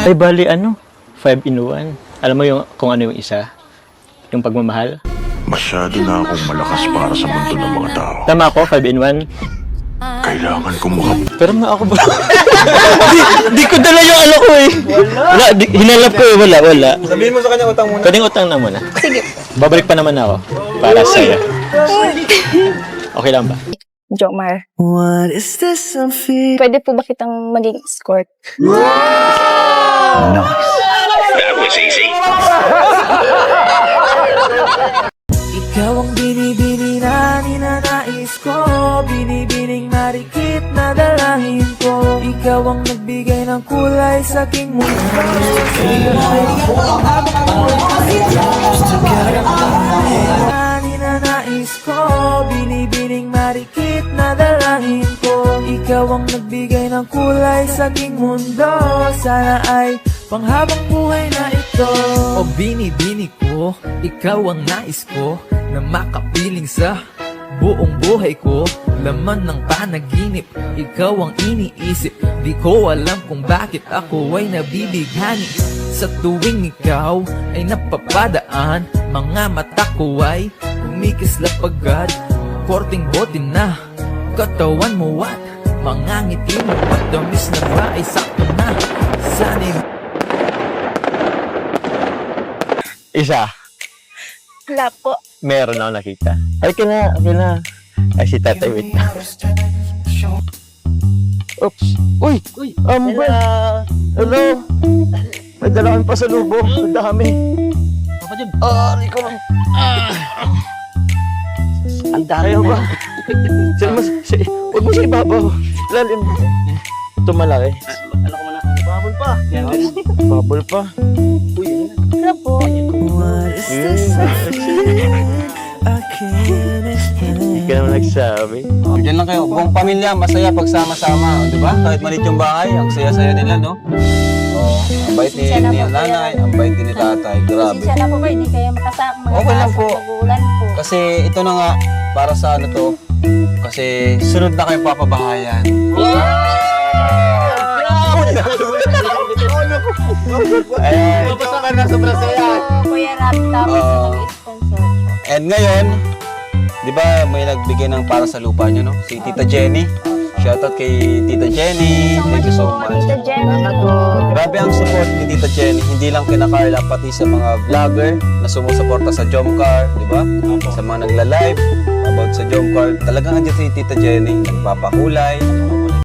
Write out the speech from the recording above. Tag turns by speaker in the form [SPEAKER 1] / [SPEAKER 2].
[SPEAKER 1] Ay, bali, 5 in 1. Alam mo kung ano yung isa? Yung pagmamahal?
[SPEAKER 2] Masyado na akong malakas para sa mundo ng mga tao.
[SPEAKER 1] Tama ako, 5 in 1.
[SPEAKER 2] Kailangan ko
[SPEAKER 1] Pero nga ako ba? di ko dala yung ano ko eh. Wala, hinalap ko eh. Wala.
[SPEAKER 3] Sabihin mo sa kanya utang muna.
[SPEAKER 1] Pwedeng utang na muna. Sige. Babalik pa naman ako. Para sa'yo. Okay lang ba?
[SPEAKER 4] Jomar,
[SPEAKER 5] What is this I'm feeling?
[SPEAKER 4] pwede po ba kitang maging escort?
[SPEAKER 5] Ikaw ang binibini na ninanais ko, binibining marikit na dalangin ko. Ikaw ang nagbigay ng kulay sa aking mundo. Ninanais ko, binibining marikit na dalangin ko. Ikaw ang nagbigay ng kulay sa aking mundo. Sana ay panghabang buhay na ito. O binibini ko, ikaw ang nais ko na makapiling sa buong buhay ko. Laman ng panaginip, ikaw ang iniisip. Di ko alam kung bakit ako ay nabibighani. Sa tuwing ikaw ay napapadaan, mga mata ko ay kumikislap agad. Korting bote na katawan mo at mga ngiti mo, matamis na ba ay sakto na. Sana'y
[SPEAKER 1] Isa.
[SPEAKER 4] Wala po.
[SPEAKER 1] Meron ako nakita. Okay na. Ay, si tatay, wait na. Oops. Uy! Amber! Hello! May dala kami pasalubong. Ang dami. Ari ko lang. Ang dami ba? Huwag mo siya ibabaw. Lalim. Ito malaki.
[SPEAKER 3] Babol pa.
[SPEAKER 1] Bubble pa.
[SPEAKER 4] Wala po.
[SPEAKER 5] What is this I feel? I can't explain.
[SPEAKER 1] Hindi ka naman nagsabi.
[SPEAKER 3] Diyan lang kayo. Buong pamilya, masaya pagsama-sama. Di ba? Kahit maliit yung bahay, ang saya-saya nila, no? Oh, ang bait ni nanay, ang bait din ni tatay. Grabe.
[SPEAKER 4] Pasensya na po ba, hindi kayo makasama.
[SPEAKER 3] Okay lang po.
[SPEAKER 4] Magulan po.
[SPEAKER 3] Kasi ito na nga, para sa ano to, kasi sunod na kayong papabahayan. Babasa ka na sobrang saya.
[SPEAKER 4] Kuya Rap, tapos nag-sponsor po.
[SPEAKER 3] And ngayon, di ba may nagbigay ng para sa lupa nyo, no? Si Tita Jenny. Shoutout kay Tita Jenny. Thank you so much.
[SPEAKER 4] Tita Jenny.
[SPEAKER 3] Grabe ang support ni Tita Jenny. Hindi lang kina Carla, pati sa mga vlogger na sumusuporta sa Jomcar, di ba? Sa mga nagla-live about sa Jomcar. Talagang andyan si Tita Jenny. Nagpapakulay,